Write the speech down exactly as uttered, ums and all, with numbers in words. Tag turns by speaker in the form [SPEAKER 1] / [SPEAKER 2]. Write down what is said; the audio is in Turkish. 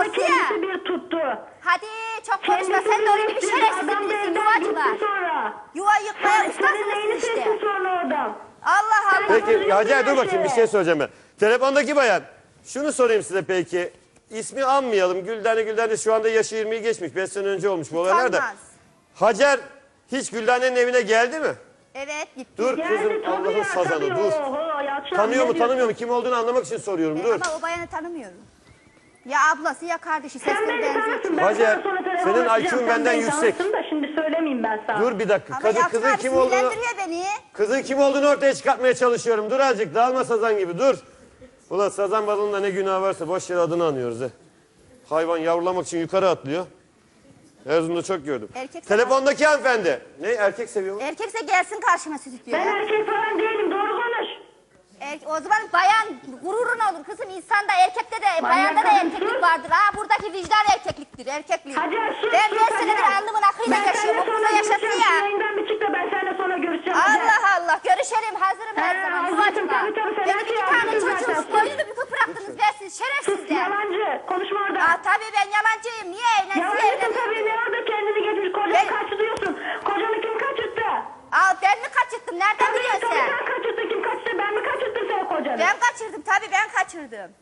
[SPEAKER 1] ablası ya.
[SPEAKER 2] kendisi bir tuttu.
[SPEAKER 1] Hadi çok konuşma, sen de onun gibi şerefsizlik misin, yuvacılar. Yuva yıkmaya
[SPEAKER 2] Senin
[SPEAKER 1] ustasınız
[SPEAKER 2] neyini
[SPEAKER 1] siz işte.
[SPEAKER 2] seçtin sonra oradan?
[SPEAKER 1] Allah Allah.
[SPEAKER 3] Peki Hacer dur bakayım bir şey soracağım ben. Telefondaki bayan şunu sorayım size peki. İsmi anmayalım. Güldane Güldane şu anda yaşı yirmiyi geçmiş. beş sene önce olmuş bu olaylar da.
[SPEAKER 1] Utanmaz.
[SPEAKER 3] Hacer hiç Güldane'nin evine geldi mi?
[SPEAKER 1] Evet gitti.
[SPEAKER 3] Dur
[SPEAKER 2] Geldi
[SPEAKER 3] kızım
[SPEAKER 2] tabii
[SPEAKER 3] Allah'ın
[SPEAKER 2] ya,
[SPEAKER 3] sazanı
[SPEAKER 2] tabii.
[SPEAKER 3] dur.
[SPEAKER 2] Oho, Yalçın
[SPEAKER 3] Tanıyor
[SPEAKER 2] abi,
[SPEAKER 3] mu
[SPEAKER 2] ne
[SPEAKER 3] tanımıyor mu kim olduğunu anlamak için soruyorum dur.
[SPEAKER 1] Ama o bayanı tanımıyorum. Ya ablası ya kardeşi,
[SPEAKER 2] Sen
[SPEAKER 1] sesleri
[SPEAKER 2] beni
[SPEAKER 1] benziyor.
[SPEAKER 2] tanırsın. Ben
[SPEAKER 3] Hacer,
[SPEAKER 2] sana sonra telefon
[SPEAKER 3] senin
[SPEAKER 2] açacağım.
[SPEAKER 3] I Q'un
[SPEAKER 2] Sen
[SPEAKER 3] benden
[SPEAKER 2] beni
[SPEAKER 3] yüksek.
[SPEAKER 2] tanırsın da şimdi söylemeyeyim ben sana.
[SPEAKER 3] Dur bir dakika.
[SPEAKER 1] Ama
[SPEAKER 3] Kadın,
[SPEAKER 1] Yalçın
[SPEAKER 3] kızın
[SPEAKER 1] abi
[SPEAKER 3] kim olduğunu,
[SPEAKER 1] sinirlendiriyor beni.
[SPEAKER 3] kızın kim olduğunu ortaya çıkartmaya çalışıyorum. Dur azıcık dağılma sazan gibi dur. Ulan sazan balığında ne günah varsa boş yere adını anıyoruz he. Hayvan yavrulamak için yukarı atlıyor. Erzurum'da çok gördüm.
[SPEAKER 1] Erkek
[SPEAKER 3] Telefondaki hanımefendi. Ne erkek seviyor mu?
[SPEAKER 1] Erkekse gelsin karşıma stüdyoya.
[SPEAKER 2] Ben erkek falan değilim, doğru konuş.
[SPEAKER 1] Er, o zaman bayan gururun olur kızım. İnsanda erkekte de bayanda da
[SPEAKER 2] kadın
[SPEAKER 1] erkeklik
[SPEAKER 2] sus.
[SPEAKER 1] vardır. Ha buradaki vicdan erkekliktir, erkeklik.
[SPEAKER 2] Hacer sus.
[SPEAKER 1] Ben
[SPEAKER 2] sus,
[SPEAKER 1] beş senedir
[SPEAKER 2] Hacer.
[SPEAKER 1] alnımın akıyla
[SPEAKER 2] Ben
[SPEAKER 1] yaşıyorum.
[SPEAKER 2] seninle
[SPEAKER 1] O
[SPEAKER 2] sonra
[SPEAKER 1] kıza yaşasın
[SPEAKER 2] görüşeceğim.
[SPEAKER 1] ya.
[SPEAKER 2] Şu yayından bir çık da ben seninle sonra görüşeceğim. Hacer.
[SPEAKER 1] Allah Allah, görüşelim, hazırım her
[SPEAKER 2] He,
[SPEAKER 1] zaman.
[SPEAKER 2] hazırsın,
[SPEAKER 1] Yuvacıma.
[SPEAKER 2] tabii, tabii, sen
[SPEAKER 1] Benim
[SPEAKER 2] her
[SPEAKER 1] iki
[SPEAKER 2] şeyi
[SPEAKER 1] tane
[SPEAKER 2] hazırsın
[SPEAKER 1] çocuğum
[SPEAKER 2] zaten.
[SPEAKER 1] boyunu büküp bıraktınız dersiz,
[SPEAKER 2] Sus
[SPEAKER 1] şerefsizler.
[SPEAKER 2] yalancı. Konuşma orada.
[SPEAKER 1] Aa tabii ben yalancıyım. Niye evlensin?
[SPEAKER 2] Yalancısın tabii, ne orada kendini getirmiş. Kocanı
[SPEAKER 1] Ben-
[SPEAKER 2] kaçırıyorsun. Kocanı kim kaçırttı?
[SPEAKER 1] Aa ben mi kaçırttım? Nereden
[SPEAKER 2] Tabii
[SPEAKER 1] biliyorsun
[SPEAKER 2] tabii
[SPEAKER 1] sen?
[SPEAKER 2] sen kaçırttın. Kim kaçırttı? Ben mi kaçırttım senin kocanı?
[SPEAKER 1] Ben kaçırdım tabii, ben kaçırdım.